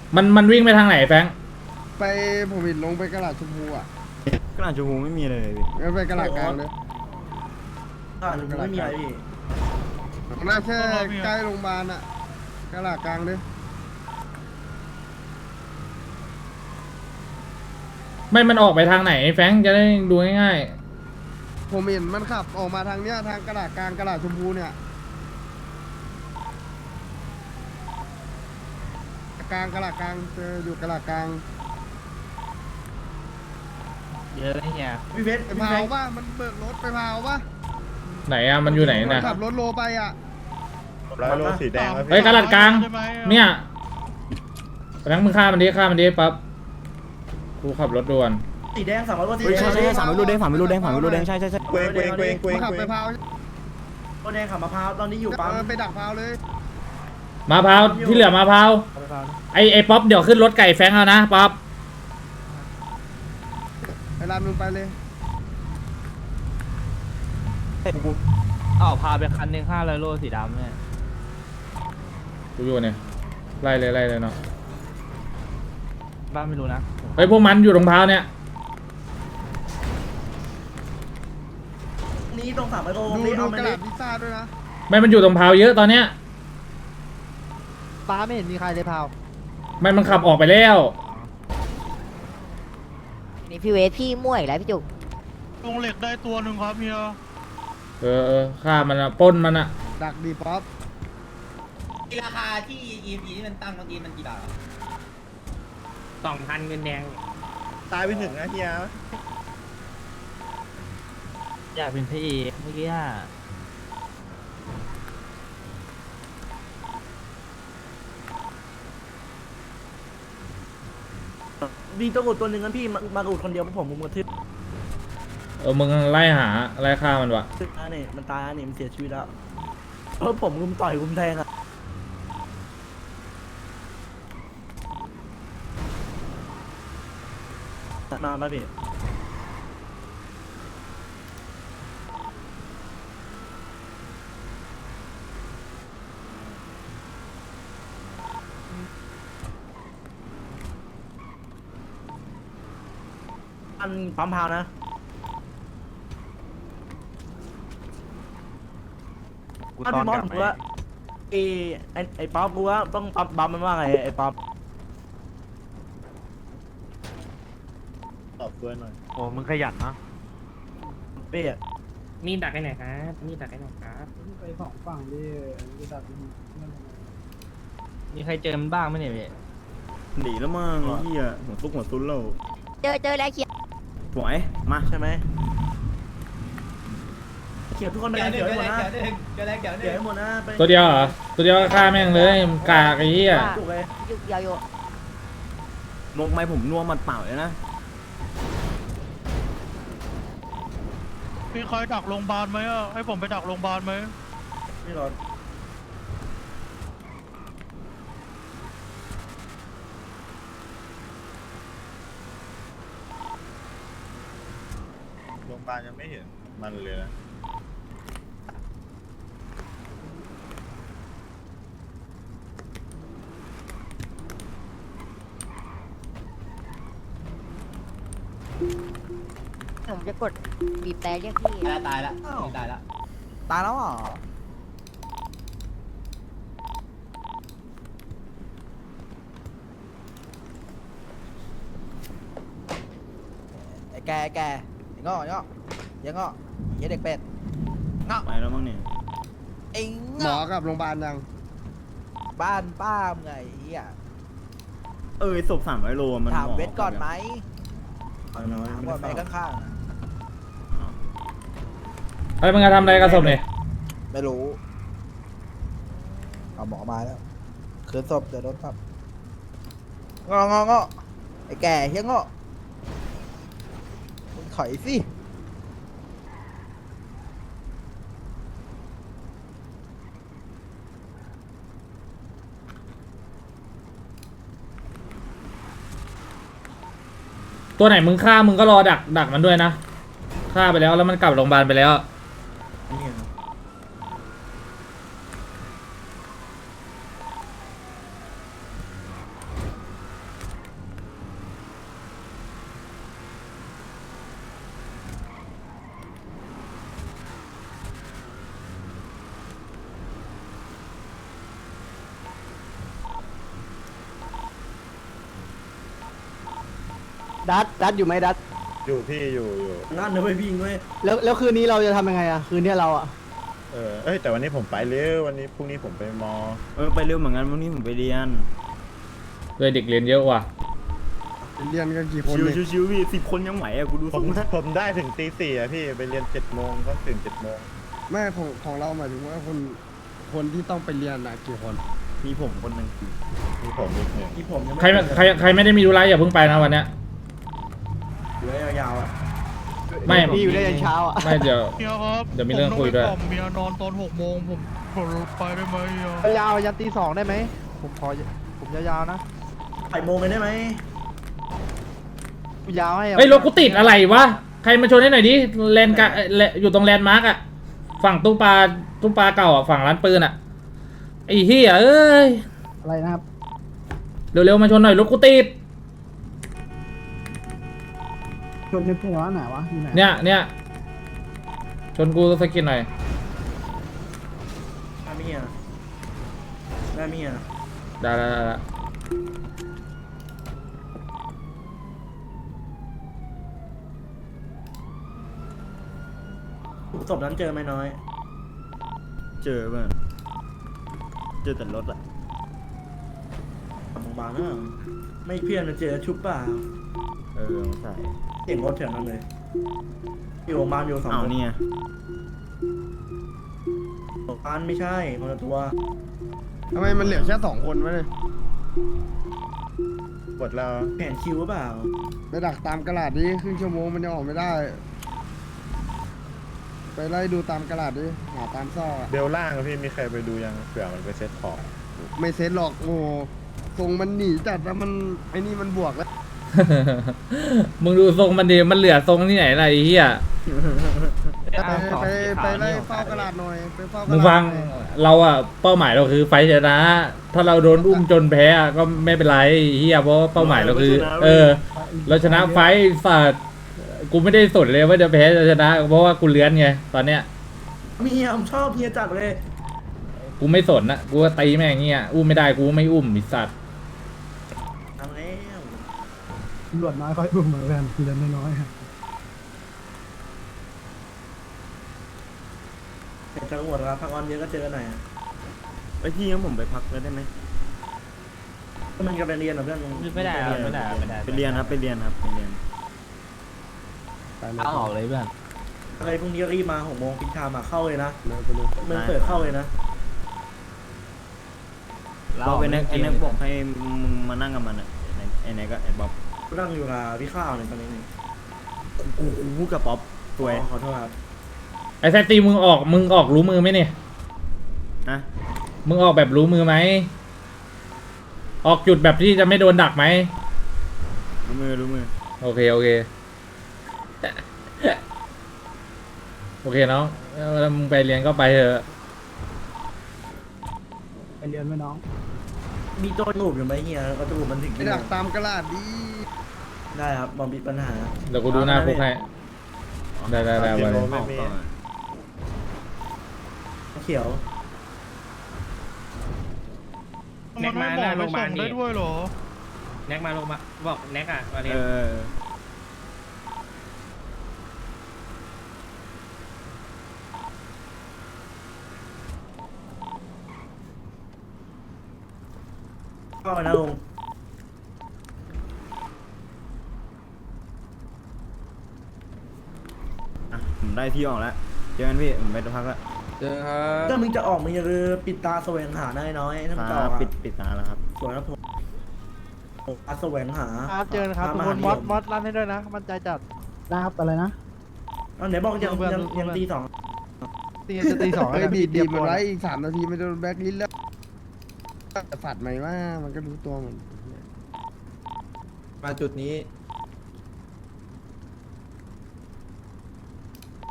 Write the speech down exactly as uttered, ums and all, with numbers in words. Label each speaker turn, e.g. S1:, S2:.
S1: มันมันวิ่งไปทางไหนแฟง
S2: ไปผมเห็นลงไปกระดาษชมพูอ่ะ
S3: กระดาษชมพูไม่มีเลยพี่
S2: งั้นไปกระดาษกลางเลย
S4: อ่าหนูไม่มีอะไรพี่
S2: น่าแค่ใกล้โรงพยาบาลอ่ะกระดาษกลางเลย
S1: ไม่มันออกไปทางไหนแฟงจะได้ดูง่าย
S2: ผมเห็นมันขับออกมาทางเนี้ยทางกระดาษกลางกระดาษชมพูเนี่ยกลางกระดาษกลางเจออยู่กระดาษกลาง
S5: เยอะเลยเนี่ย
S4: พี่เพชร
S2: ไป
S4: พี่
S2: พา
S4: เพ
S2: ว
S4: ชร
S2: ป่ะมันเบิกรถไปพาวป่ะ
S1: ๆไหนอะมันอยู่ไหน
S2: มัน
S1: นะ
S2: ขับรถโลไปอ่ะ
S3: แล้วรถสีแดงแล้ว
S1: เฮ้ย
S3: พี่
S1: กระดาษกลางเนี่ยแฟงมึงฆ่ามันดิฆ่ามันดิปั๊บกูขับรถด่วน
S4: สีแดงสามร้อยกว่าสี
S3: เฮ้ย
S4: แด
S3: ใช่
S4: ง
S3: ใช่ใช่สามไม่รู้แดงสามไม่รู้แดงสามไม่รู้แดงใช่ใช่ใช่
S6: เกวงเกวงเกวงเกวง
S2: มันขับ
S6: เกว
S2: ไป
S6: ง
S2: พาว
S4: ตัวแดงขับมะพร้าวตอนนี้อยู่ปั๊ม
S2: เออไปดักพาวเลย
S1: มาพร้าวที่เหลือมาพร้าวไอไอป๊อปเดี๋ยวขึ้นรถไก่แฟงเอานะป๊อป
S2: ไปรามมึงไปเลย
S5: อ้าวพาไปคันหนึ่งห้าร้อยโลสีดำเนี่ย
S1: กูอยู่เนี่ยไล่เลยไล่เลยเนาะ
S5: บ้านไม่รู้นะ
S1: เฮ้ยพวกมันอยู่ตรงพร้าวเนี่ย
S4: นี้ตรงสามร้อยโล
S2: ดู
S4: นี่
S2: ดู
S4: เอา
S2: ก
S4: มา
S2: ระ
S4: เล
S2: ดาย ษพิซซ่าด้วยนะ
S1: ไม่มันอยู่ตรงพร้าวเยอะตอนเนี้ย
S7: ป้าไม่เห็นมีใครเลยพาว
S1: ไม่มันขับออกไปแล้ว
S8: นี่พี่เวทพี่มั่วอีกแล้วพี่จุก
S9: ลงเหล็กได้ตัวหนึ่งครับเฮีย
S1: เออเออฆ่ามันอะปล้นมันอะ
S2: ดักดีป๊อป
S10: ราคาที่ อี เอ็ม พี ที่มันตั้งเมื่อกี้มันกี่บาท
S5: สองพันเงินแดง
S6: ตายไปหนึ่งนะเฮีย
S5: อยากเป็นพระเอกเมื่อกี้อะ
S4: มีตัวอุดตัวหนึ่งกันพี่มามาอุดคนเดียวเพราะผมมุมกระทึบ
S1: เออมึงไล่หาไล่ฆ่ามันวะ
S4: ทึบนะนี่มันตายนะนี่มันเสียชีวิตแล้วเพราะผมรุมต่อยรุมแทงอะนานแล้วพี่อันปั๊มพาวนะ
S5: กู
S4: ถ้า
S5: ตอน
S4: พี่มอ
S5: ก
S4: ส
S5: ลับ
S4: ผมว่าไอ้ไอ้ไอ้ป๊อปกูว่าต้องปั๊มบัมมันว่าไงไอ้ป๊อป
S6: ตอบตัวหน่อย
S5: โอ้มึงขยันเนาะ
S4: เป้อะ
S5: มีดักไอ้ไหนครับมีดักไอ้ไหนครับ
S7: ไปสองฝั่งดิจะดัก
S5: มีใครเจอมันบ้างไหมเนี่ยพี่
S3: หนีแล้วมั้งไอ้เหี้ยหัวซุกหัวซุนแล้ว
S8: เจอเจอแล้วเขียน
S3: สวยมา
S4: ใช่ไหมเขียวทุกคนไป
S10: เดี๋ยวหนึ่
S4: เขี
S10: ง
S4: ยวให้
S10: เดี๋ยว
S4: หมด
S10: หนึ่
S4: นะ
S10: งเดี๋ยวหนึ่งเดี๋ยวหนึ่ง
S4: เขียว
S10: เดี๋ยวหนึ่ง
S4: ให้หมดนะไป
S1: ตัวเดียวเหรอตัวเดียวก็ฆ่าแม่งเลยมึงกากไอ้เหี้ย
S4: ถูกเลย
S8: ยุกยาวโย
S3: นกไม้ผมนัวหมัดเปล่าเลยนะ
S9: มีใครดักโรงพยาบาลไหมอ่ะให้ผมไปดักโรงพยาบาลไหม
S4: ไม่รอด
S6: โรงพยาบาลยังไม่เห็นมันเลยนะ
S8: ผมจะกดบีบแต่เรียกพี่
S10: ตายละตายละตายละ
S7: ตายแล้วอ่ะไอ้แกแกยังงอยังงอยังงอเหี้ยเด็กเป็ดงอ
S3: ไปแล้วมั้งเนี่ย
S7: ไอ้
S2: หม
S7: ง
S2: อ
S7: อ
S2: กับโรงพยาบาลยัง
S7: บ้านป้ามไงเฮีย
S3: เออศพสามร้อยโลมัน
S7: ถาม
S3: หอ
S7: เวทก่อนไหม
S3: เอาหน่อย
S7: ถาม
S3: ไม่
S7: ก่อนไหม
S3: ได้เฝ้า
S7: ข้างๆน่ะ
S1: ไอ้มึงจะทำอะไรกับศพเนี่ย
S7: ไม่รู้เอาหมอมาแล้วคืนศพเดี๋ยวโดนปรับงององอไอ้แก่เฮียงอมึงถอยสิ
S1: ตัวไหนมึงฆ่ามึงก็รอดักดักมันด้วยนะฆ่าไปแล้วแล้วมันกลับโรงพยาบาลไปแล้ว
S3: นี่ไง
S4: ดัดดัดอยู่ไหมดัด
S6: อยู่พี่อยู่อยู่
S3: นั่นนะเว้ยพี่เว้ย
S4: แล้วแล้วคืนนี้เราจะทำยังไงอะคืนนี้เราอะ
S6: เออเอ้ยแต่วันนี้ผมไปเร็ววันนี้พรุ่งนี้ผมไปมอ
S3: เออไปเร็วเหมือนกันวันนี้ผมไปเรียน
S1: เลยเด็กเรียนเยอะว่ะ
S2: เรียนกันกี่คน
S3: ชิว
S2: เนี่ย
S3: ชิวชิวพี่สิบคนยังไหวอะกูดู
S6: ผ
S3: ทร
S6: ม
S3: งนะ
S6: ผมได้ถึงตีสี่อะพี่ไปเรียนเจ็ดโมงก็ตื่นเจ็ดโมง
S2: แม่ของของเราหมายถึงว่าคนคนที่ต้องไปเรียนนะกี่คน
S3: มีผมคนหนึ่ง
S6: มีผมอีกหนึ่ง
S3: มีผมยังไม่
S1: ใครใครใครไม่ได้มีธุระอย่าเพิ่งไปนะวันเนี้ย
S3: อยู่ได้ยาวๆอะ
S1: ไม่
S4: พี่อยู่ได้ยันเช้าอะ
S1: ไม่เดี๋ยว
S9: เฮียครับ
S1: เดี๋ยวมีเรื่องคุยด้วย
S9: ผมต้องไปกล่อมเมียนอนตอนหกโมงผมผมไปได้ไหมเฮีย
S4: ยาวยันตีสองได้ไหมผมขอผมยาวๆนะ
S3: ไปโมงกันได้ไหม
S4: ยาวให้
S1: เฮ้ยรถกูติดอะไรวะใครมาชนให้หน่อยดิแลนด์กะเอ่อแลอยู่ตรงแลนด์มาร์กอะฝั่งตู้ปลาตู้ปลาเก่าอะฝั่งร้านปืนอะไอ้เหี้ยเอ้ย
S4: อะไรนะครับ
S1: เร็วๆมาชนหน่อยรถกูติด
S4: ชนในหัวไหนวะอยู่ไหน
S1: เนี่ยเนี่ยชนกูสกินหน่อย
S3: ได้เมียได้เมีย
S1: ได้ได้ได้ได้
S3: ศพนั้นเจอไหมน้อย เจอป่ะเจอแต่รถอะบางๆนะไม่เพี้ยนนะเจอชุบเปล่าเออใส่เสียงรถแถวนั้นเลยอยู่โรงพยาบาลอยู่สองคนเนี่ยโรงพยาบาลไม่ใช่คนละตัว
S2: ทำไมมันเหลือแค่สองคนวะเนี่ย
S6: กดแล้ว
S3: แผนคิวหรือเปล่า
S2: ไปดักตามกระดาษดิครึ่งชั่วโมงมันยังออกไม่ได้ ไปไล่ดูตามกระดาษดิหาตามซอกอะ
S6: เบลล่างอะพี่มีใครไปดูยังเผื่อมันไปเซ็ตของ
S2: ไม่เซ็ตหรอกโอ้โหทรงมันหนีจัดแล้วมันไอ้นี่มันบวกแล้ว
S1: มึงดูทรงมันดีมันเหลือทรงที่ไหนล่ะไอ้เหี้ย
S2: ไปไปไปไล่เฝ้ากระดาษหน่อยไปเฝ้ากระ
S1: มึง
S2: ดาษ
S1: ฟัง
S2: หน่อย
S1: เราอะเป้าหมายเราคือไฟท์ชนะ ถ้าเราโดนอุ้มจนแพ้อะก็ไม่เป็นไรไอ้เหี้ยเพราะว่าเป้าหมายเราคือ เออ เราชนะไฟท์สัตว์กูไม่ได้สนเลยว่าจะแพ้จะชนะ เพราะว่ากูเลื้อนไงตอนเนี้ย
S3: เมียผมชอบเมียจัดเลย
S1: กูไม่สนนะกูก็ตีแม่งเงี้ยอุ้มไม่ได้กูไม่อุ้มไอ้สัตว์
S3: ทำแล้ว
S4: ตำรวจน้อยค่อยอุ้มเหมือนกันทีละน้อยๆ
S3: เห็นจังหวัดแล้วพักออนเยอะก็เจอหน่อยอะไปที่งั้นผมไปพักเลยได้ไหมมันจะไปเรียนเหรอเพื่อน
S5: ไม่ได้ครับไม่ได้ไม่ได้
S3: ไปเรียนครับไปเรียนครับไปเรียน
S2: ไปเลย
S5: เอาออกเลยเพื่อน
S3: อะไรพรุ่งนี้รีบมาหกโมงพิชามาเข้าเลยนะ
S2: ไปเลย
S3: มันเปิดเข้าเลยนะ
S5: เราเป็นนัก
S3: ไอ้
S5: เก
S3: นั
S5: ม
S3: กบอกให้มึงมานั่งกับมันอ่ะไอ้ไหนก็ไอ้บ๊อบนั่งอยู่กับพี่ข้าวเนี่ยตอนนี้นี่กูกูพูดกับป๊อปตัวขอโทษครับ
S1: ไอ้แซตตีมึงออกมึงออกรู้มือไหมเนี่ย
S3: นะ
S1: มึงออกแบบรู้มือไหมออกจุดแบบที่จะไม่โดนดักไหม
S3: รู้มือรู้มือ
S1: โอเค โอเค โอเคน้องแล้วมึงไปเรียนก็ไปเถอะ
S4: ไปเรียนไหมน้อง
S3: มีตัวหนูบอยู่ไหมเฮียก็ตัวมันถึง
S2: ไปดักตามกระดาษดิ
S3: ได้ครับบอมบิดปัญหา
S1: เดี๋ยวกูดูหน้าคุกให้ ได้ได้ได้
S6: กิ
S1: ไป
S6: โลไม่มี
S3: เขียว
S9: มันให้หมอไปส่งได้ด้วยเหรอ
S5: แน็กมาลงมาบอกแน็กอ่ะมาเรียน
S3: เออเข้าไปนะลุง อ่ะผมได้ที่ออกแล้วเจอกันพี่ผมไปพักแล้ว
S2: เจอครับ
S3: ถ้ามึงจะออกมึงอย่าลืมปิดตาแสวงหาได้น้อยถ้ามึงจะออก
S6: ปิ
S3: ปิ
S6: ด
S3: ด
S6: ปิดตาแล้วครับ
S3: สวยครับผมตาแสวงหา
S4: ครับเจอกันครับ
S3: พา
S4: ทุก
S3: มา
S4: คน
S3: หาม
S4: อส
S3: นิย
S4: มอสรันให้ด้วยนะ มั่นใจจัดนะครับอะไรนะ
S3: อ่ะไหนบอกยัง
S4: เพื่อน
S3: ยัง
S4: เพื่อน
S3: ยังตีสอง
S4: ตีจะตีสอง
S2: เฮ้ยบีบบีบมันไว้อีกสามนาทีไม่โดนแบล็คลิสต์แล้วฝัดไหมว่ามันก็รู้ตัวมัน
S11: มาจุดนี้